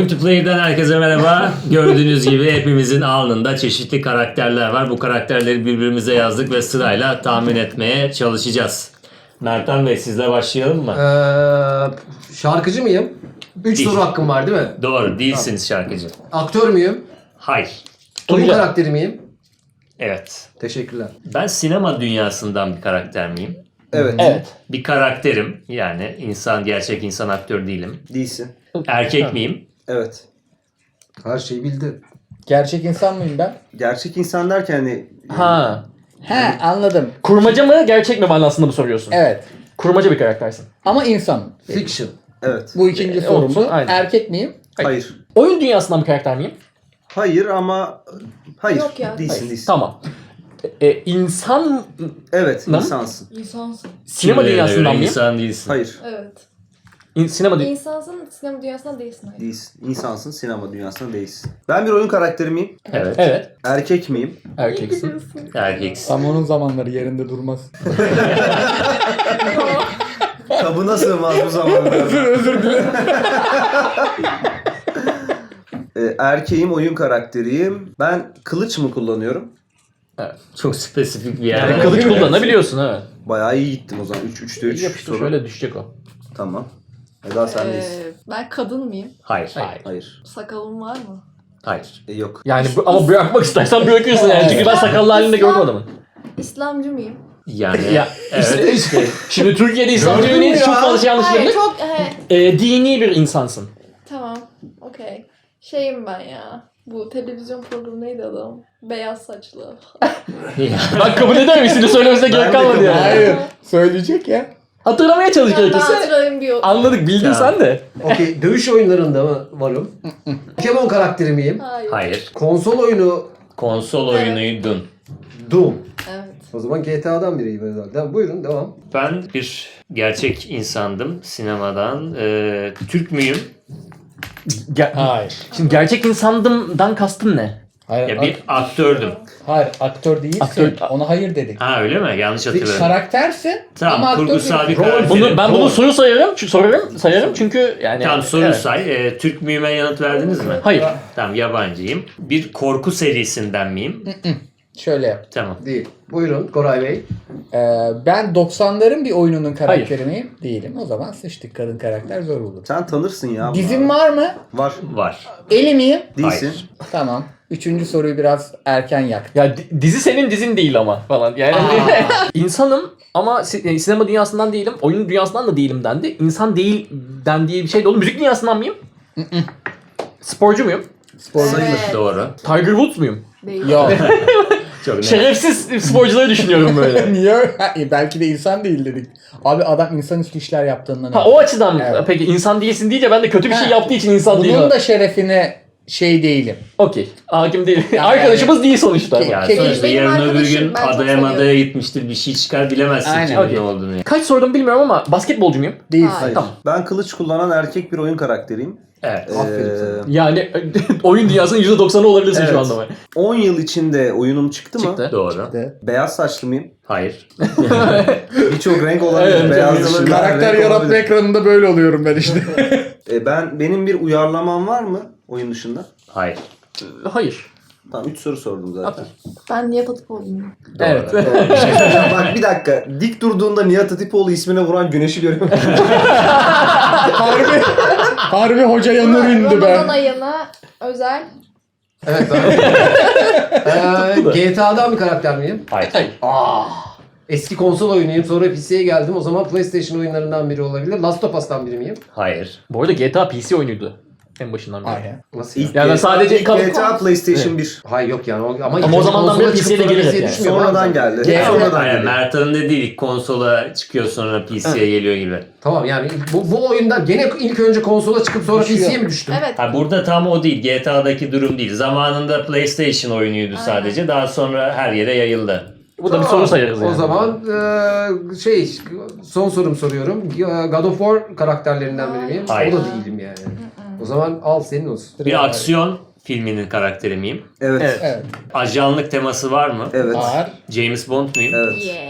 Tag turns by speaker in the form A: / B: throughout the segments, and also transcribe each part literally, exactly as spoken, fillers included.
A: Multiplayer'den herkese merhaba. Gördüğünüz gibi hepimizin alnında çeşitli karakterler var. Bu karakterleri birbirimize yazdık ve sırayla tahmin etmeye çalışacağız. Mertan Bey, sizle başlayalım mı?
B: Ee, şarkıcı mıyım? Üç
A: Değil.
B: soru hakkım var değil mi?
A: Doğru, değilsiniz şarkıcı.
B: Aktör müyüm?
A: Hayır.
B: Oyun
C: Tuncay.
B: karakteri miyim?
A: Evet.
B: Teşekkürler.
A: Ben sinema dünyasından bir karakter miyim?
D: Evet.
C: Evet.
A: Bir karakterim. Yani insan, gerçek insan, aktör değilim.
D: Değilsin.
A: Erkek miyim?
D: Evet.
B: Her şeyi bildi.
C: Gerçek insan mıyım ben?
D: Gerçek insan derken hani...
E: Ha.
C: He anladım.
E: Kurmaca mı gerçek mi manasında mı soruyorsun?
C: Evet.
E: Kurmaca bir karaktersin.
C: Ama insanım.
B: Fiction.
D: Evet.
C: Bu ikinci
E: E,
C: sorum
E: olsun,
C: bu.
E: aynen.
C: Erkek miyim?
D: Hayır.
E: Oyun dünyasından bir karakter miyim?
D: Hayır ama... Hayır.
F: Yok ya.
D: Değilsin
E: Hayır.
D: değilsin.
E: Tamam. E, insan
D: Evet
E: Lan.
D: insansın.
F: İnsansın.
E: sinema
A: Kimilerine
E: dünyasından
A: göre
E: mıyım?
A: İnsan değilsin.
D: Hayır.
F: Evet.
E: İn, sinema dü-
F: İnsansın, sinema dünyasından değilsin. Hayır.
D: Değilsin. İnsansın. Sinema dünyasında değilsin. Ben bir oyun karakteri miyim?
A: Evet.
E: Evet.
D: Erkek miyim?
E: Erkeksin.
A: Erkeksin.
C: Tam onun zamanları yerinde durmaz.
D: Kabına sığmaz bu zamanlarda.
C: özür dilerim.
D: Ee, erkeğim, oyun karakteriyim. Ben kılıç mı kullanıyorum?
A: Çok spesifik bir
E: Yani
A: yer.
E: kılıç kullanabiliyorsun evet.
D: Bayağı iyi gittim o zaman. üç üçte üç
E: Yapıştır
D: soru.
E: şöyle düşecek o.
D: Tamam. Eda sendeyiz.
F: Ee, ben kadın mıyım?
A: Hayır.
E: Hayır.
D: Hayır.
F: Sakalım var mı?
A: Hayır.
D: E, yok.
E: Yani bu- ama bırakmak istersen bırakırsın yani. Çünkü ben sakallı halinde gördüm adamı.
F: İslamcı mıyım?
A: Yani
E: Ya
A: evet.
E: işte, şimdi Türkiye'de İslam
B: Gördün mü
E: düğünü
B: ya?
E: çok fazla şey yanlış
F: Hayır
E: yapılır.
F: çok... He,
E: E, dini bir insansın.
F: tamam. Okey. Şeyim ben ya. Bu televizyon programı neydi adam? Beyaz saçlı.
E: Bak kabul eder misin? Söylemesine
D: Ben
E: gerek
D: de
E: kalmadı
D: kabul
E: yani.
C: Hayır. Söyleyecek ya.
E: Hatırlamaya çalış
F: Ben daha
E: gerekirse.
F: hatırlayayım bir...
E: Anladık bildin
A: Ya.
E: sen de.
B: Okey. Dövüş oyunlarında mı varım? Pokemon karakteri miyim?
F: Hayır.
A: Hayır.
B: Konsol oyunu
A: Konsol
F: Evet.
A: oyunuydun.
B: Doom.
F: Evet.
B: O zaman G T A'dan biriyim herhalde. Tamam, buyurun devam.
A: Ben bir gerçek insandım sinemadan. Ee, Türk müyüm?
E: Ger-
C: Hayır.
E: Şimdi gerçek insandımdan kastın ne?
C: Hayır.
A: Ya bir aktördüm.
C: Hayır aktör değilsin.
E: Aktör-
C: Ona hayır dedik.
A: Ha öyle mi? Yanlış hatırladım.
C: Karaktersin.
A: Tamam,
C: ama aktör
A: kurgusal bir
C: değilsin.
A: karakter.
E: Bunu ben
A: Rol.
E: bunu soru sayarım, çünkü sorarım, sayarım çünkü yani.
A: Tamam, soru
E: Evet.
A: say. Ee, Türk müyüme yanıt verdiniz mi?
E: Hayır.
A: Tamam, yabancıyım. Bir korku serisinden miyim?
C: Şöyle yap.
A: Tamam.
B: Değil. Buyurun Koray Bey.
C: Ee, ben doksanların bir oyununun karakteri miyim? Değilim. O zaman sıçtık. Kadın karakter zor olur.
D: Sen tanırsın ya.
C: Dizim var mı?
D: Var.
A: Var.
C: Eli miyim?
D: Değilsin.
A: Hayır.
C: Tamam. Üçüncü soruyu biraz erken yak.
E: Ya di- dizi senin dizin değil ama falan. Yani insanım ama si- yani sinema dünyasından değilim, oyun dünyasından da değilim dendi. İnsan değil dendiği bir şey de olur. Müzik dünyasından mıyım? Sporcu muyum?
C: Spor
F: Evet.
A: Doğru.
E: Tiger Woods muyum?
F: Değil.
C: Yok.
A: Çok net.
E: Şerefsiz sporcuları düşünüyorum böyle.
C: Niye? Ha, e, belki de insan değil dedik. Abi adam insanüstü işler yaptığından.
E: Ha o açıdan mı?
C: Evet.
E: Peki insan değilsin deyince ben de kötü bir şey
C: Ha.
E: yaptığı için insan değil.
C: Bunun da şerefine şey değilim.
E: Okey. Hakim değil.
C: Yani-
E: Arkadaşımız değil sonuçta.
C: Ki-
A: Ya
C: Kek-
A: sonuçta
F: Benim
A: yarın öbür
F: arkadaşım,
A: gün
F: ben çok
A: adaya
F: seviyorum.
A: madaya gitmiştir. Bir şey çıkar, bilemezsin
C: Aynen.
A: kimin
E: Okey.
A: ne olduğunu. ya.
E: Kaç sordum bilmiyorum ama basketbolcu muyum?
C: Değilsin.
F: Hayır.
E: Tamam.
D: Ben kılıç kullanan erkek bir oyun karakteriyim.
A: Evet.
B: Aferin
D: Ee,
B: sana.
E: Yani oyun dünyasının yüzde doksanı olabilirsin
D: Evet.
E: şu anda.
D: on yıl içinde oyunum çıktı mı?
E: Çıktı.
A: Doğru.
C: De.
D: Beyaz saçlı mıyım?
A: Hayır.
D: Birçok renk olabilir.
E: Evet,
D: Beyaz
E: evet.
D: dışında
C: Karakter
D: renk
C: yaratma
D: olabilir.
C: ekranında böyle oluyorum ben işte.
D: E, ben benim bir uyarlamam var mı oyun dışında?
A: Hayır.
E: Hayır.
D: Tamam üç soru sordum zaten.
F: Ben Nihat Hatipoğlu'yum.
A: Doğru.
E: Evet.
D: Bir şey söyleyeceğim. Bak bir dakika. Dik durduğunda Nihat Hatipoğlu ismine vuran güneşi görüyor musun?
C: harbi, harbi hoca yanır indi
F: Ramazan
C: ben.
F: ayına özel.
B: Evet ben. ee, G T A'dan bir karakter miyim?
A: Hayır.
B: Aa. Eski konsol oyunuyum. Sonra P C'ye geldim. O zaman PlayStation oyunlarından biri olabilir. Last of Us'tan biri miyim?
A: Hayır.
E: Bu arada G T A P C oyunuydu. En başından beri.
C: Aynen.
B: Nasıl?
D: İlk
E: Yani
D: G T A
E: sadece
D: ilk
E: kal-
D: G T A PlayStation bir.
B: Hayır yok yani. O- Ama,
E: Ama o zamandan beri
B: konsola
E: P C'ye de
B: çıkıp sonra
E: gelir
B: P C'ye
E: yani.
B: düşmüyor.
D: Sonradan geldi.
B: G-
D: Sonradan
A: Aynen,
D: geldi.
A: Mert'in dediği ilk konsola çıkıyor sonra P C'ye geliyor gibi.
B: Tamam yani bu, bu oyunda gene ilk önce konsola çıkıp sonra P
C: Düşüyor.
B: C'ye mi düştüm?
F: Evet.
A: Ha, burada tam o değil. G T A'daki durum değil. Zamanında PlayStation oyunuydu
F: Aynen.
A: sadece. Daha sonra her yere yayıldı.
E: Bu da bir
B: Tamam.
E: soru sayarız yani.
B: O zaman eee, şey son sorum soruyorum. God of War karakterlerinden biri miyim?
A: Hayır.
B: O da değilim yani. O zaman al senin olsun.
A: Bir aksiyon filminin karakteri miyim?
D: Evet.
E: Evet.
D: Evet.
C: Evet.
A: Ajanlık teması var mı?
D: Evet.
C: Var.
A: James Bond muyum?
D: Evet.
F: Yeah.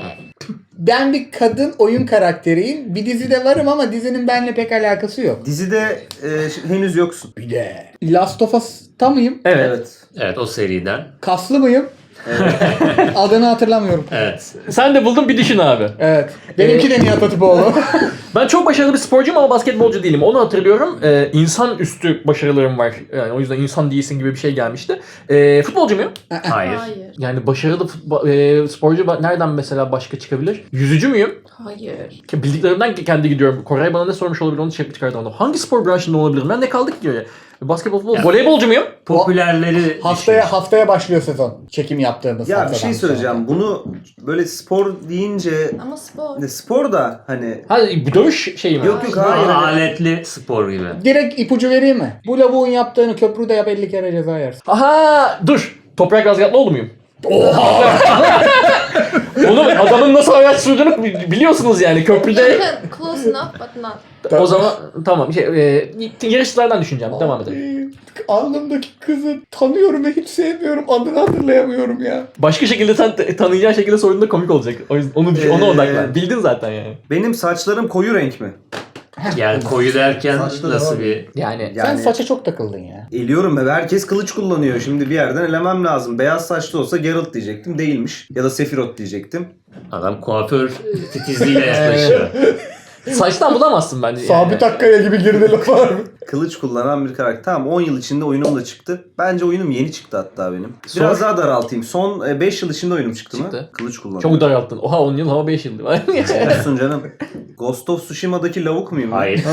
C: Ben bir kadın oyun karakteriyim. Bir dizide varım ama dizinin benimle pek alakası yok.
D: Dizide e, ş- henüz yoksun.
C: Bir de Last of Us'ta mıyım?
E: Evet.
A: Evet, o seriden.
C: Kaslı mıyım? Adını hatırlamıyorum.
A: Evet.
E: Sen de buldun, bir düşün abi.
C: Evet. Benimki de Nihat Hatipoğlu.
E: Ben çok başarılı bir sporcuyum ama basketbolcu değilim. Onu hatırlıyorum. Ee, insan üstü başarılarım var. Yani o yüzden insan değilsin gibi bir şey gelmişti. Ee, futbolcu muyum?
A: Hayır.
F: Hayır.
E: Yani başarılı futbol, e, sporcu ba- nereden mesela başka çıkabilir? Yüzücü müyüm?
F: Hayır.
E: Ki bildiklerimden kendi gidiyorum. Koray bana ne sormuş olabilir onu çekip çıkardım. Hangi spor branşında olabilirim? Ben ne kaldık ki öyle? Basketbol, futbol,
A: Ya.
E: voleybolcu muyum?
A: Popülerleri
C: haftaya
A: düşün.
C: haftaya başlıyor sezon. Çekim yaptığımız
D: Ya bir
C: haftadan
D: şey söyleyeceğim. Bunu böyle spor deyince
F: Ama spor.
D: ne spor da hani
E: Ha, bu dövüş şeyi mi?
D: yok yok
A: Daha
D: hayır. hani-
A: aletli spor gibi.
C: sonra. Direkt ipucu vereyim mi? Bu lavuğun yaptığını köprüde yap elli kere ceza yersin.
E: Aha, dur. Toprak Razgatlıoğlu muyum? Oha! Oğlum adamın nasıl hayat sürdüğünü bi- biliyorsunuz yani köprüde.
F: Yakın. Close enough but not.
E: O zaman tamam şey e, yarışçılardan düşüneceğim. Devam edelim.
C: Alnımdaki kızı tanıyorum ve hiç sevmiyorum. Adını hatırlayamıyorum ya.
E: Başka şekilde sen t- tanıyacağın şekilde sorduğunda komik olacak. O yüzden onu düşün, ona
D: Ee,
E: odaklan. Bildin zaten yani.
D: Benim saçlarım koyu renk mi?
A: Yani koyu derken
B: Saçları
A: nasıl
B: var.
A: bir...
E: Yani
C: Sen
D: Yani
C: saça çok takıldın ya.
D: eliyorum ve herkes kılıç kullanıyor. Şimdi bir yerden elemem lazım. Beyaz saçlı olsa Geralt diyecektim. Değilmiş. Ya da Sephiroth diyecektim.
A: Adam kuaför titizliğiyle yaklaşıyor.
E: saçtan bulamazsın bence. Yani.
C: Sabit Akkaya gibi girdi laf var mı?
D: Kılıç kullanan bir karakter. Tamam on yıl içinde oyunum da çıktı. Bence oyunum yeni çıktı hatta benim. Biraz
E: Sor.
D: daha daraltayım. Son beş yıl içinde oyunum çıktı,
E: Çıktı.
D: mı? Kılıç kullanıyor.
E: Çok daralttın. Oha on yıl ama beş yıl.
D: Olsun canım. Ghost of Tsushima'daki lavuk muyum? ben?
A: Hayır.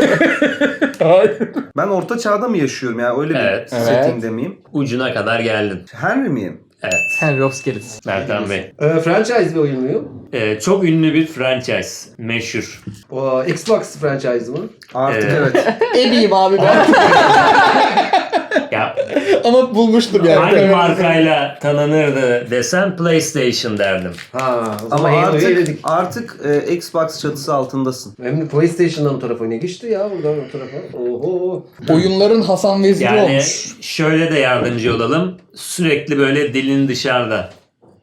D: Ben orta çağda mı yaşıyorum ya? Öyle bir
A: Evet.
D: settingde miyim?
A: Ucuna kadar geldin.
D: Henry miyim?
A: Evet.
E: Henry of Skelets.
A: Mertan Bey.
B: Ee, franchise bir oyun muyum?
A: Ee, çok ünlü bir franchise. Meşhur.
B: O, Xbox franchise mı?
D: Artık
A: Ee,
D: evet.
C: Ebiyim abi ben.
A: Ya
C: Ama bulmuştum yani.
A: hangi
C: Evet.
A: markayla tanınırdı desem PlayStation derdim.
B: Ha, o zaman
D: Ama
B: Halo'yu
D: artık
B: eledik.
D: artık e, Xbox çatısı altındasın.
B: Hem de PlayStation'dan o tarafa ne geçti ya buradan o tarafa. Oho.
C: Oyunların Hasan Veziri
A: Yani
C: olmuş.
A: şöyle de yardımcı olalım. Sürekli böyle dilin dışarıda.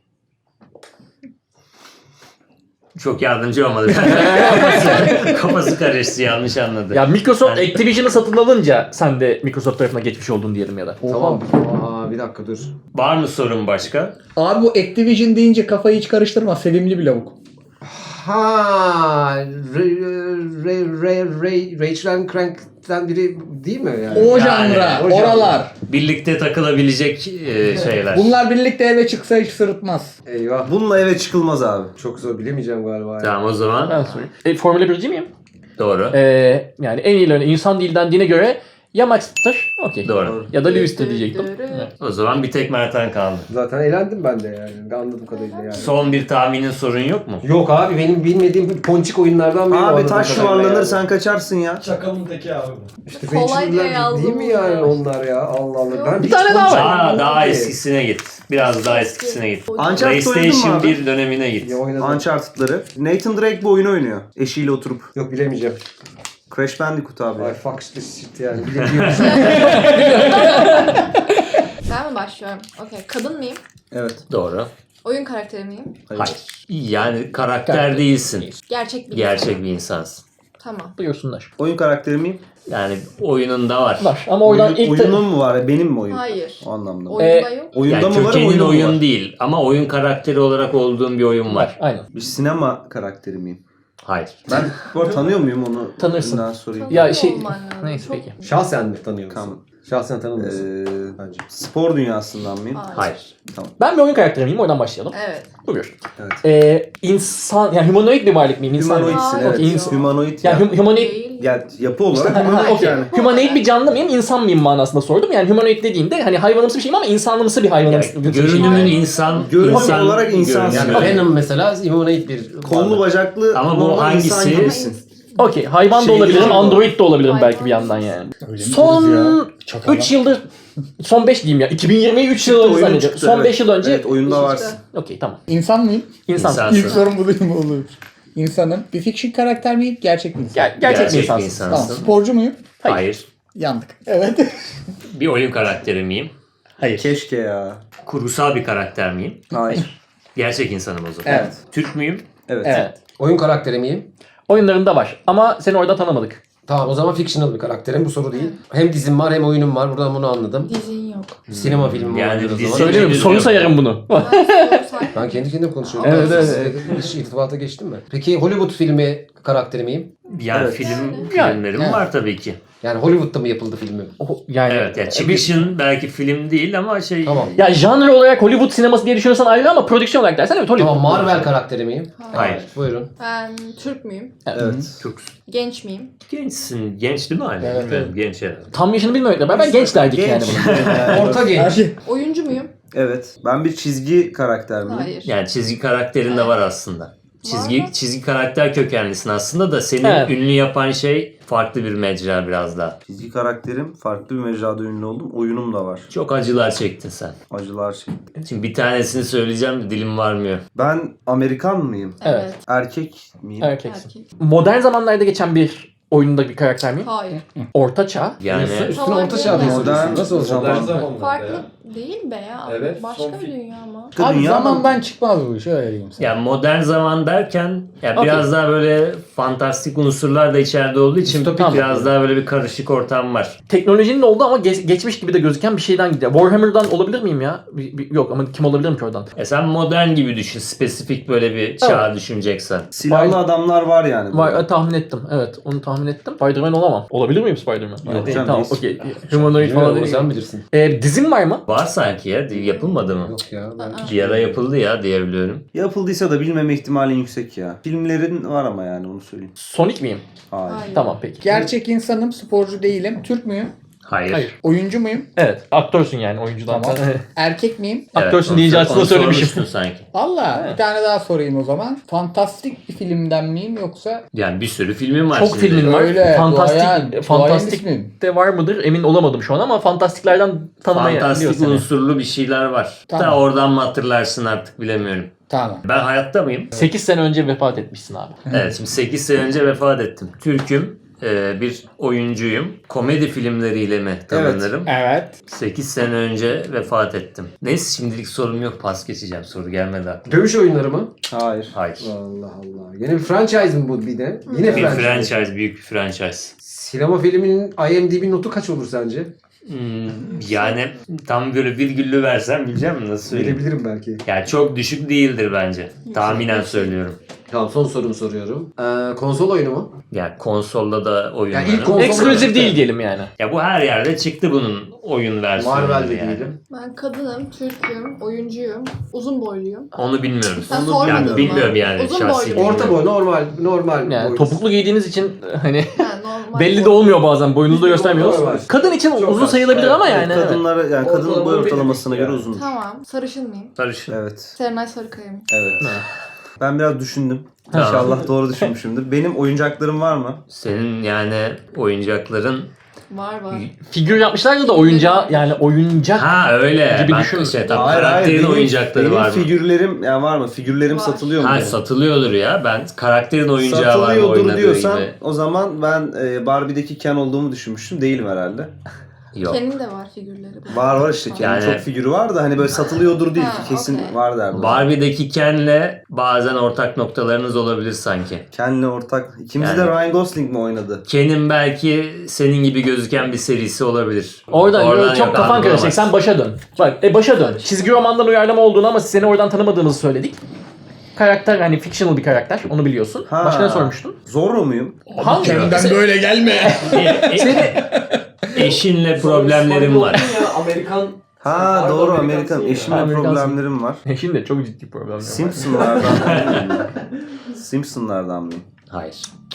A: Çok yardımcı olmadı. kafası, kafası karıştı, yanlış anladı.
E: Ya Microsoft
A: Yani-
E: Activision'ı satın alınca sen de Microsoft tarafına geçmiş oldun diyelim ya da.
B: Tamam. Aa, bir dakika dur.
A: Var mı sorun başka?
C: Abi bu Activision deyince kafayı hiç karıştırma. Sevimli bir lavuk.
B: Ha, Ray, Ray, Ray, Ray, Rachel Crank'ten biri değil mi yani?
C: O
A: Yani,
C: janra,
B: o janra.
C: oralar.
A: Birlikte takılabilecek e, şeyler.
C: Bunlar birlikte eve çıksa hiç sırıtmaz.
B: Eyvah.
D: Bununla eve çıkılmaz abi.
B: Çok zor bilemeyeceğim galiba. ya.
A: Tamam o zaman
E: Ben sorayım. E, Formula birci miyim?
A: doğru.
E: Ee, yani en iyilerini insan değil dendiğine göre ya Max'tır, okey.
A: Doğru.
E: Ya da Lewis'tir diyecektim.
F: Dırı.
A: O zaman bir tek Mert'ten kaldı.
B: Zaten eğlendim ben de yani. Anladığım kadarıyla yani.
A: Son bir tahminin sorun yok mu?
B: Yok abi benim bilmediğim ponçik oyunlardan biri.
D: Abi
B: anladığım
D: taş
B: kadarıyla
D: yuvarlanır
B: yani.
D: sen kaçarsın ya.
G: Çakalın teki abi bu.
B: İşte
F: Kolay diye
B: Rachel'ler
F: yazdım
B: değil mi
F: bunu
B: yani
F: ya.
B: onlar ya? Allah Allah. Ben
E: Bir
B: hiç
E: tane daha
B: ponçik
E: var.
A: Daha,
B: oynamadım
A: daha
B: ki.
A: eskisine git. Biraz daha eskisine git.
D: Uncharted oynadın mı
A: PlayStation
D: abi?
A: bir dönemine git.
B: Ya oynadım.
D: Uncharted'ları. Nathan Drake bu oyunu oynuyor. Eşiyle oturup.
B: Yok bilemeyeceğim.
D: Crash Bandicoot abi.
B: Ay fuck this shit yani. Bilemiyorum.
F: Ben mi başlıyorum? Okey. Kadın mıyım?
D: Evet.
A: Doğru.
F: Oyun karakteri miyim?
A: Hayır. Yani karakter değilsin.
F: Gerçek bir
A: Gerçek
F: insan.
A: bir insansın.
F: Tamam.
E: Buyursunlar.
D: Oyun karakteri miyim?
A: Yani oyununda var.
E: Var ama oradan
D: Oyun,
E: ilk...
D: oyunun mu var? Benim mi oyun?
F: Hayır.
D: O anlamda.
F: Oyunda yok.
D: Oyunda
A: Yani
D: mı varım,
A: kökenin
D: oyunda mı
A: oyun
D: var?
A: değil ama oyun karakteri olarak olduğum bir oyun var.
E: Var, aynen.
D: Bir sinema karakteri miyim?
A: Hayır.
D: Ben bu arada tanıyor muyum onu?
E: Tanırsın.
D: Daha sorayım.
E: Ya şey-
F: Olman lazım.
E: Neyse
F: Çok-
E: peki.
B: Şahsen mi tanıyor musun?
D: Tamam.
B: Şahsen tanımıyorsun.
D: Ee,
B: Bence.
D: spor dünyasından mıyım?
F: Hayır.
A: Hayır.
E: Ben bir oyun karakteri miyim? Oradan başlayalım.
F: Evet.
E: Buyur.
D: Evet.
E: Ee, insan, yani humanoid bir varlık mıyım? İnsan mıyım?
D: Humanoidsin
F: Hayır.
D: evet.
E: İnsan.
D: Humanoid
E: Yani
D: ya.
E: hum- humanoid...
F: Değil.
D: Ya yapı olarak
E: Ha,
D: humanoid
E: okey.
D: yani.
E: Humanoid bir canlı mıyım, insan mıyım manasında sordum. Yani humanoid dediğinde hani hayvanımsı bir şeyim ama insanlımsı bir hayvanımsı
A: Yani
E: bir şeyim.
A: görünümün insan,
D: Görünüm
A: insan
D: olarak insansın.
A: görünümü.
B: Yani Venom mesela humanoid bir
D: Kollu bacaklı
A: Ama bu
D: normal
A: hangisi?
D: insan gibisin.
E: Okey, hayvan da
D: Şey
E: olabilirim,
D: değil mi?
E: android de olabilirim
F: Hayvan.
E: belki bir yandan yani.
C: Öyle mi
E: Son
C: diyoruz ya? Çakal.
E: üç yıldır, son beş diyeyim ya, iki bin yirmiyi üç yıl
D: Çıktı,
E: önce
D: oyunun
E: zannediyorum.
D: çıktı,
E: Son
D: evet.
E: beş yıl önce,
D: Evet oyunda
F: İşte.
D: varsın.
E: okey tamam.
C: İnsan mıyım?
E: İnsan.
A: İnsan.
C: İlk sorum bu değil mi olur? İnsanım. Bir fiction karakter miyim? Gerçek bir insan.
E: Ger- gerçek,
A: Gerçek
E: bir
A: bir
E: insansın.
A: insan.
C: Tamam. Sporcu muyum?
E: Hayır.
A: Hayır.
C: Yandık. Evet.
A: Bir oyun karakteri miyim?
C: Hayır.
D: Keşke ya.
A: Kurgusal bir karakter miyim?
D: Hayır.
A: Gerçek insanım o zaman.
C: Evet.
A: Türk müyüm?
D: Evet.
E: Evet.
B: Oyun karakteri miyim?
E: Oyunlarında var ama seni orada tanımadık.
B: Tamam o zaman fictional bir karakterim. Bu soru değil. Hem dizim var hem oyunum var. Buradan bunu anladım.
F: Dizin yok.
B: Sinema filmi
A: Yani
B: olabilir o
A: dizi-
B: zaman.
E: Söylemiyorum,
A: Henüz
E: soru
A: yok.
E: sayarım bunu.
F: Ben soru say-
B: Ben kendi kendime konuşuyorum.
E: Evet, evet,
B: Siz hiç irtibata geçtin mi? Peki Hollywood filmi karakteri miyim?
A: Yani
D: Evet.
A: film
E: Yani.
A: filmlerim
C: Yani.
A: var tabii ki.
B: Yani Hollywood'da mı yapıldı filmi?
E: O- Yani
A: Evet. Ya
E: bir-
A: çıkışın belki film değil ama şey.
B: Tamam.
E: ya janr olarak Hollywood sineması diye düşünürsen ayrı ama prodüksiyon olarak dersen evet Hollywood.
B: Tamam Marvel karakteri miyim?
A: Hayır.
B: Buyurun.
F: Ben Türk müyüm?
D: Evet.
A: Çok
F: Genç miyim?
A: gençsin. Genç değil mi hala?
C: Evet,
A: Bilmiyorum,
C: evet.
A: Genç herhalde.
E: Tam yaşını bilmemekle beraber genç derdik
D: Genç.
E: yani bunu.
B: Orta genç.
F: Oyuncu muyum?
D: Evet. Ben bir çizgi karakter miyim?
F: Hayır.
A: Yani çizgi karakterin de var aslında. Çizgi
F: mı?
A: çizgi karakter kökenlisin aslında da seni
E: Evet.
A: ünlü yapan şey farklı bir mecra biraz daha.
D: Çizgi karakterim. Farklı bir mecrada ünlü oldum. Oyunum da var.
A: Çok acılar çektin sen.
D: Acılar şey.
A: Şimdi bir tanesini söyleyeceğim de dilim varmıyor.
D: Ben Amerikan mıyım?
E: Evet.
D: Erkek miyim?
E: Erkeksin.
F: Erkek.
E: Modern zamanlarda geçen bir oyunda bir karakter miyim?
F: Hayır.
E: Orta çağ.
A: Yani
B: Üstüne
F: Tamam,
B: orta çağ diye
F: modern-
B: soruyorsun. Nasıl olacak?
G: Modern zamanlarda
F: Farklı
G: ya.
F: değil be ya.
G: Evet,
F: Başka
G: son
F: bir
G: film.
F: dünya ama.
D: Başka
C: Abi
D: dünya mı?
C: zamandan çıkmaz bu iş öyle diyeyim sana.
A: ya modern zaman derken ya
E: Okey.
A: biraz daha böyle fantastik unsurlar da içeride olduğu için
B: Distopik
A: biraz daha böyle bir karışık ortam var.
E: Teknolojinin olduğu ama ge- geçmiş gibi de gözüken bir şeyden gidiyor. Warhammer'dan olabilir miyim ya? Bir- bir- yok ama kim olabilirim ki oradan?
A: Ya sen modern gibi düşün. Spesifik böyle bir çağ düşüneceksen.
D: Silahlı
E: Var-
D: adamlar var yani.
E: Var, e, tahmin ettim. Evet, onu tahmin ettim. Spider-Man olamam. Olabilir miyim Spider-Man?
D: Yok
E: Değil,
D: canım,
E: tamam,
D: değilsin.
E: okey. Humanoid falan
B: Bilmiyorum,
E: değil.
B: sen bilirsin.
E: E, dizim var mı?
A: Var sanki ya. Yapılmadı mı?
B: Yok ya. Ben...
A: Bir ara yapıldı ya diyebiliyorum.
D: Yapıldıysa da bilmeme ihtimalin yüksek ya. Filmlerin var ama yani onu söyleyeyim.
E: Sonic miyim?
D: Hayır.
F: Hayır.
E: Tamam peki.
C: Gerçek insanım, sporcu değilim. Türk müyüm?
A: Hayır.
E: Hayır.
C: Oyuncu muyum?
E: Evet. Aktörsün yani oyuncudan.
C: Tamam. Erkek miyim?
E: Aktörsün
A: onu-
E: deyince aslında
A: onu
E: söylemişim.
A: sormuştun sanki.
C: Valla
E: Evet.
C: bir tane daha sorayım o zaman. Fantastik bir filmden miyim yoksa?
A: Yani bir sürü filmin var
E: Çok
A: şimdi.
E: filmin var.
C: Öyle,
E: fantastik
C: duayen- duayen
E: fantastik
C: ismim.
E: de var mıdır emin olamadım şu an ama fantastiklerden tanımaya
A: Fantastik
E: biliyorsun.
A: unsurlu bir şeyler var.
C: Tamam.
A: Da oradan mı hatırlarsın artık bilemiyorum.
C: Tamam.
A: Ben hayatta mıyım?
E: sekiz sene önce vefat etmişsin abi.
A: Evet, şimdi sekiz sene önce vefat ettim. Türk'üm, e, bir oyuncuyum. Komedi filmleriyle mi tanınırım?
C: Evet.
A: sekiz sene önce vefat ettim. Neyse şimdilik sorum yok, pas geçeceğim. Soru gelmedi aklıma.
B: Dövüş oyunları mı?
D: Hayır.
A: Hayır.
B: Allah Allah. Yine bir franchise mi bu bir de? Yine
A: Bir
B: franchise.
A: franchise, büyük bir franchise.
B: Sinema filminin I M D B notu kaç olur sence?
A: Hmm, yani tam böyle virgüllü versem bileceğim mi? Nasıl söyleyeyim?
B: Bilebilirim belki.
A: Yani çok düşük değildir bence. Tahminen söylüyorum.
B: Tamam son sorumu soruyorum. Ee, konsol oyunu mu?
A: Yani konsolda da oyunları.
B: Yani ilk konsol-
E: Ekskluzif değil diyelim yani.
A: Ya bu her yerde çıktı bunun oyun versiyonu.
B: Marvel'de
A: yani.
B: değilim.
F: Ben kadınım, Türk'üm, oyuncuyum, uzun boyluyum.
A: Onu bilmiyoruz.
F: Sen
A: Onu
F: sormadın
A: yani
F: mı?
A: bilmiyorum yani
F: Uzun
A: şahsi.
F: boylu.
A: bilmiyorum.
B: Orta boy normal normal
E: Yani
B: boy.
E: topuklu giydiğiniz için hani
F: Ha, normal
E: belli de
F: boy.
E: olmuyor bazen. Boyunuzu da göstermiyoruz.
B: Normal.
E: Kadın için
B: Çok
E: uzun
B: az.
E: sayılabilir
B: Evet,
E: ama yani. evet.
D: Kadınlara yani kadının boy
B: Ortalama
D: ortalamasına
B: belirli
D: göre
B: yani.
D: uzun.
F: Tamam, sarışın mıyım?
A: Sarışın.
D: Evet.
F: Serenay Sarıkaya mıyım?
D: Evet. Ben biraz düşündüm.
A: Tamam.
D: İnşallah doğru düşünmüşümdür. Benim oyuncaklarım var mı?
A: Senin yani oyuncakların...
F: Var var.
E: Figür yapmışlardı da oyuncağı yani oyuncak.
A: Ha öyle.
E: Gibi
A: ben
E: düşün.
A: şey, tam karakterin
D: benim,
A: oyuncakları
D: benim
A: var mı?
D: figürlerim yani var mı? Figürlerim
F: Var.
D: satılıyor mu?
A: Ha
D: benim?
A: satılıyordur ya. Ben karakterin oyuncağı var mı
D: Satılıyordur
A: oynadığı
D: diyorsan
A: gibi.
D: o zaman ben e, Barbie'deki Ken olduğumu düşünmüştüm. Değilim herhalde.
A: Yok.
F: Ken'in de var figürleri.
D: Var var işte Ken'in
A: Yani-
D: çok figürü var da hani böyle satılıyordur değil
F: Ha,
D: ki kesin
F: okey.
D: var derdim.
A: Barbie'deki Ken'le bazen ortak noktalarınız olabilir sanki.
D: Ken'le ortak. İkimiz
A: Yani-
D: de Ryan Gosling mi oynadı?
A: Ken'in belki senin gibi gözüken bir serisi olabilir.
E: Oradan, böyle çok
A: yok,
E: kafan
A: algılamaz.
E: karışacak. Sen başa dön. Bak e başa dön. Çizgi romandan uyarlama olduğunu ama seni oradan tanımadığımızı söyledik. Karakter hani fictional bir karakter. Onu biliyorsun.
D: Ha.
E: Başka ne sormuştun?
D: Zorro muyum?
E: Hangi?
C: Kendimden böyle gelme.
A: E- e-
E: Seni
A: eşinle problemlerim var.
G: Ya, Amerikan
D: Ha
G: Pardon,
D: doğru
G: Amerikan
D: Amerikan.
G: değil
D: Eşimle
E: Amerikansın.
D: problemlerim var.
E: Şimdi çok ciddi problemler var.
D: Simpsonlardan mıyım? Simpsonlardan mıyım?
A: Hayır.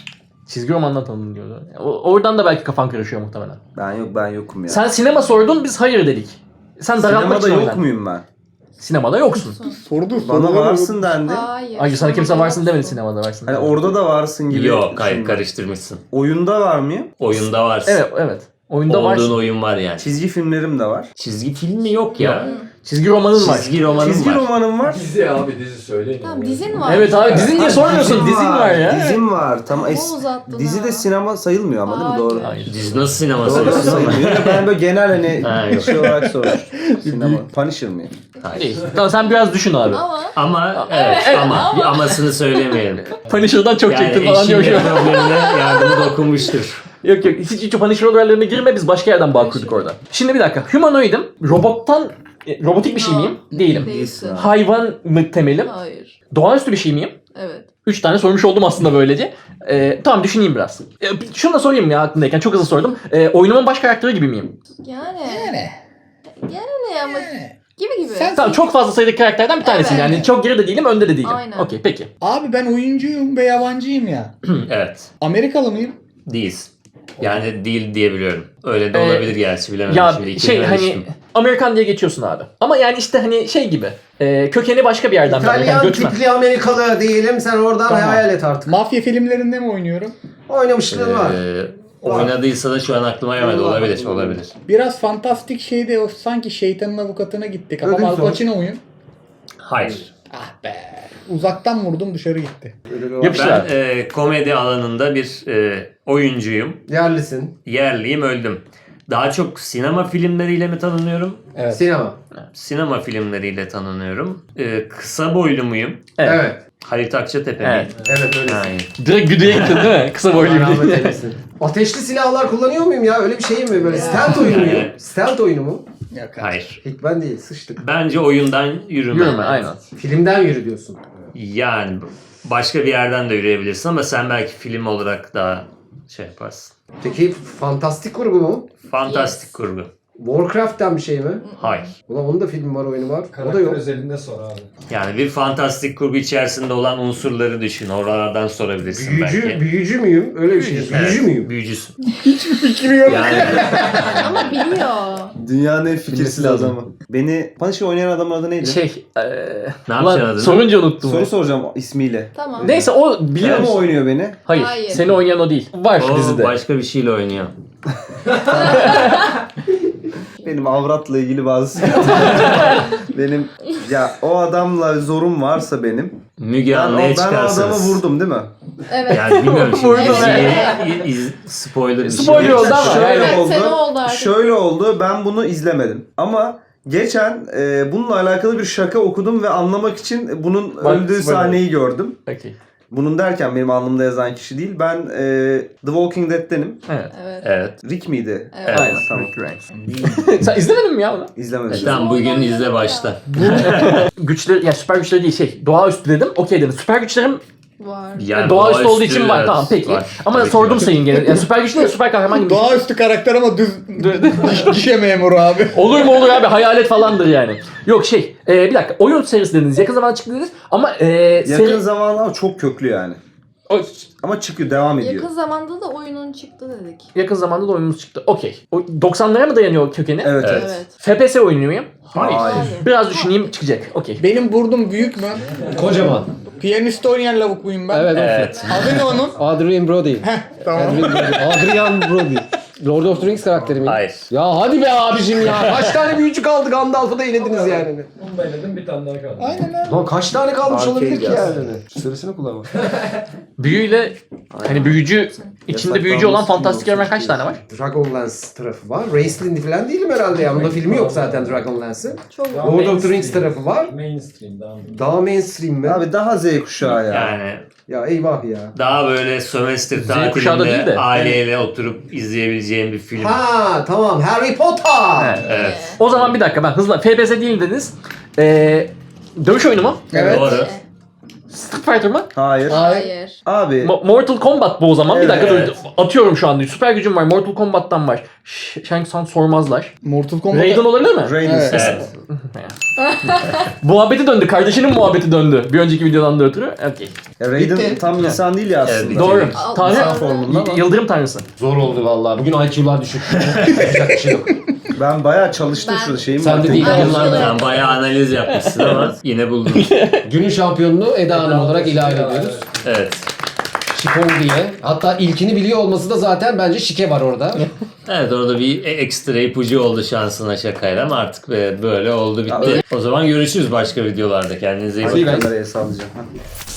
E: Çizgi romandan tanıdın diyordu. O- Oradan da belki kafan karışıyor muhtemelen.
D: Ben yok ben yokum ya.
E: Sen sinema sordun biz hayır dedik. Sen daralmak
D: Sinemada
E: için
D: yok
E: oynan.
D: muyum ben?
E: Sinemada yoksun.
C: Sordu
D: Bana varsın dendi.
F: Hayır.
E: Ay sana kimse varsın demedi sinemada varsın.
D: Hani orada da varsın gibi.
A: Yok hayır
D: düşündüm.
A: karıştırmışsın.
D: Oyunda var mıyım?
A: Oyunda varsın.
E: Evet evet. Oyunda
A: Olduğun
E: varsın.
A: oyun var yani.
D: Çizgi filmlerim de var.
A: Çizgi filmi yok ya.
E: Çizgi romanın var.
A: Çizgi romanım
D: Çizgi
A: var.
D: romanım var.
G: dizi abi dizi söyleyin.
F: Tamam
G: ya.
F: dizin var.
E: Evet abi dizin niye sormuyorsun? Dizin var ya.
D: Dizim var. Tamam.
F: Ama
D: Es-
F: uzattın
D: dizi
F: ha.
D: de sinema sayılmıyor ama değil mi?
F: Hayır.
D: Doğru.
E: Hayır.
A: Dizi nasıl sinema
D: Doğru
A: sayılır?
D: sayılmıyor. Ben böyle genel
A: Ha,
D: hani
A: yok.
D: şey olarak sormuştum. Sinema. Punisher mıyım?
A: Hayır.
E: Değil. Tamam sen biraz düşün abi.
F: Ama
A: Ama evet, ama bir amasını söylemeyelim.
E: Punisher'dan çok
A: Yani
E: çektin falan diyor şu
A: eşinin
E: an.
A: problemine yardımı dokunmuştur.
E: Yok yok hiç, hiç Punisher olaylarına girme biz başka yerden bağ kurduk orada. Şimdi bir dakika. Humanoid'im. Robottan e, robotik bir şey miyim? Değilim.
F: değilsin.
E: Hayvan mı temelim?
F: Hayır.
E: Doğaüstü bir şey miyim?
F: Evet.
E: Üç tane sormuş oldum aslında böylece. Ee, tamam düşüneyim biraz. Ee, şunu da sorayım ya aklımdayken çok hızlı sordum. Ee, oyunumun baş karakteri gibi miyim?
F: Yani.
C: Yani.
F: Yani ama gibi gibi.
C: Sen-
E: Tamam çok fazla sayıdaki karakterden bir tanesiyim.
F: Evet.
E: Yani çok geride değilim önde de değilim.
F: Aynen.
E: Okey peki.
C: Abi ben oyuncuyum ve yabancıyım ya.
A: Evet.
C: Amerikalı mıyım?
A: Değiliz. Yani değil diyebiliyorum. Öyle de
E: Ee,
A: olabilir gerçi bilemedim
E: Ya
A: şimdi.
E: şey
A: İkisini
E: hani
A: karıştırdım.
E: Amerikan diye geçiyorsun abi. Ama yani işte hani şey gibi. E, kökeni başka bir yerden. bir Amerikan,
B: İtalyan
E: göçmen.
B: tipli Amerikalı diyelim. Sen oradan
C: Tamam.
B: hayal et artık.
C: Mafya filmlerinde mi oynuyorum?
B: Oynamışlığın var.
A: Ee, oynadıysa da şu an aklıma gelmedi. Olabilir, olabilir.
C: Biraz fantastik şeyde o sanki şeytanın avukatına gittik. Ama
B: Ödül
C: Al
B: sor.
C: Pacino oyun.
A: Hayır.
C: Ah be. Uzaktan vurdum dışarı gitti.
E: Yapıştır
A: Ben
E: abi.
A: e, komedi alanında bir e, oyuncuyum.
B: Yerlisin.
A: Yerliyim, öldüm. Daha çok sinema filmleriyle mi tanınıyorum?
C: Evet.
B: Sinema.
A: Sinema filmleriyle tanınıyorum. E, kısa boylu muyum?
E: Evet.
B: Evet.
A: Halit Akçatepe
E: Evet.
A: miyim?
B: Evet öylesin.
A: Hayır.
E: Direkt güdüye gittin değil mi? Kısa
B: Allah
E: boyluyum
B: rahmet
E: diye.
B: eylesin. Ateşli silahlar kullanıyor muyum ya? Öyle bir şey mi? Böyle stealth oyunu muyum? Stealth oyunu mu?
C: Yok abi.
A: Hayır.
B: Hikmen değil. Sıçtık.
A: Bence oyundan yürüme.
E: Yürüme aynen.
B: Filmden yürü diyorsun.
A: Yani başka bir yerden de yürüyebilirsin ama sen belki film olarak daha şey yaparsın.
B: Peki fantastik kurgu mu?
A: Fantastik
F: Yes.
A: kurgu.
B: Warcraft'ten bir şey mi?
A: Hayır.
B: Ulan onun da filmi var, oyunu var. O da
G: Karakter
B: yok.
G: özelinde sor abi.
A: Yani bir fantastik kurgu içerisinde olan unsurları düşün. Oralardan sorabilirsin
B: Büyücü,
A: belki.
B: büyücü müyüm? Öyle bir şey.
A: Evet,
B: Büyücü müyüm?
A: Büyücüsün.
C: Fikri yok.
A: Yani
F: Ama biliyor.
D: Dünyanın en fikirsiz
E: lazım.
D: adamı. Beni Punisher oynayan adamın adı neydi?
E: Şey. E,
A: Ne yapacaksın
E: lan,
A: adını?
E: sorunca unuttum.
D: Soru soracağım ismiyle.
F: Tamam.
E: Neyse o biliyor
D: Biliyor mu
E: musun?
D: oynuyor beni?
E: Hayır,
F: Hayır.
E: Seni oynayan o değil. Var
A: o
E: dizide.
A: başka bir şeyle oynuyor.
D: Benim avratla ilgili bazı sıkıntılarım var. Benim ya o adamla zorum varsa benim.
A: Müge
D: Ben, o,
A: Anlı'ya
D: ben o adamı
A: çıkarsınız.
D: vurdum değil mi?
F: Evet.
A: Yani bilmiyorum şimdi.
E: Vurdum,
A: Diziyi iz- spoiler bir şey.
E: Spoiler oldu ama
D: Şöyle
F: Evet,
D: oldu.
F: sene oldu artık.
D: Şöyle oldu. Ben bunu izlemedim. Ama geçen e, bununla alakalı bir şaka okudum ve anlamak için bunun
E: Bak,
D: öldüğü
E: spoiler.
D: sahneyi gördüm.
E: Okey.
D: Bunun derken benim alnımda yazan kişi değil. Ben e, The Walking Dead'tenim.
E: Evet.
F: Evet.
A: Evet.
D: Rick miydi?
F: Evet.
E: Aynen.
D: Tamam.
E: Sen izlemedin mi ya onu?
D: İzlemedim.
A: E, tamam bugün izle başta.
E: Güçleri, ya süper güçleri değil şey. Doğaüstü dedim. Okey dedim. Süper güçlerim
F: Var.
A: Yani
E: doğaüstü olduğu için var.
A: evet,
E: Tamam peki.
A: var.
E: Ama
A: Tabii ki
E: sordum
A: var.
E: sayın gene. Yani süper güç değil süper kahraman gibi.
C: Doğaüstü karakter ama düz gişe memuru abi.
E: Olur mu olur abi hayalet falandır yani. Yok şey e, bir dakika oyun serisi dediniz yakın zamanda çıktı dediniz ama e,
D: Yakın
E: seri...
D: zamanda ama çok köklü yani.
E: O-
D: Ama çıkıyor, devam ediyor.
F: Yakın zamanda da oyunun çıktı dedik.
E: yakın zamanda da oyunumuz çıktı. Okey. O doksanlara mı dayanıyor kökeni?
D: Evet, evet.
F: Evet.
E: F P S oynuyor muyum?
D: Hayır.
E: Biraz düşüneyim çıkacak. Okey.
C: Benim burnum büyük mü?
B: Kocaman.
C: Piyanist oynayan lavuk muyum ben?
B: Evet.
A: Evet.
C: Adı ne onun?
B: Adrian Brody.
C: Tamam.
B: Adrian Brody. Adrian Brody. Lord of the Rings karakteri mi?
A: Hayır.
B: Ya hadi be abicim ya. Kaç tane büyücü kaldı? Gandalf'ı da elediniz yani.
G: Onu da eledim bir tane daha kaldı.
C: Aynen abi.
B: Lan kaç tane kalmış
D: Arcade
B: olabilir ki
D: yaz.
B: yani? Sırasını kullanma.
E: Büyüyle hani büyücü içinde büyücü olan fantastik evren kaç tane var?
B: Dragonlance tarafı var. Raceland falan değilim herhalde ya. Bunda filmi yok zaten Dragonlance'ın.
F: Çok
G: Ya,
B: Lord of the
G: mainstream.
B: Rings tarafı var.
G: Mainstream daha mı?
B: Daha mainstream mi?
D: Abi daha Z kuşağı ya.
A: Yani
B: Ya eyvah ya.
A: daha böyle sömestr
E: kuşağı da değil
A: tatilinde
E: de.
A: aileyle oturup izleyebileceğim bir film.
B: Ha tamam, Harry Potter.
E: Evet.
A: Evet.
E: O zaman bir dakika ben hızla F P S değil dediniz. Ee, dövüş oyunu mu?
C: Evet.
A: Doğru.
E: Street Fighter mı?
D: Hayır.
F: Hayır.
D: Abi
E: Mo- Mortal Kombat bu o zaman. Bir dakika
A: Evet.
E: dur. Atıyorum şu anda. Süper gücüm var. Mortal Kombat'tan var. Ş- Shang Tsung sormazlar.
C: Mortal Kombat.
E: Raiden olabilir mi?
D: Raiden
C: Evet.
D: sesi.
A: Evet.
E: Muhabbeti döndü. Kardeşinin muhabbeti döndü. Bir önceki videodan da ötürü. Okey.
D: Ya Raiden
B: Bitti.
D: tam insan değil ya aslında.
A: Evet,
E: Doğru.
F: Al-
E: Tanrı.
F: insan
D: formunda ama.
E: Y- Yıldırım tanrısı.
B: Zor oldu vallahi. Bugün I Q'lar düşük. Yapacak bir şey yok.
D: Ben bayağı çalıştım
F: Ben-
D: şurada şeyim
B: Sen
D: var.
B: de değil.
F: Ay,
B: Yıllardır.
A: Sen bayağı analiz yapmışsın ama yine buldun.
B: Günün şampiyonunu Eda Hanım olarak ilan ediyoruz.
A: Evet.
B: Şipon diye. Hatta ilkini biliyor olması da zaten bence şike var orada.
A: Evet orada bir ekstra ipucu oldu şansına şakayla ama artık böyle oldu bitti. O zaman görüşürüz başka videolarda. Kendinize iyi bakın.
D: Hadi kameraya sallayacağım. Ha.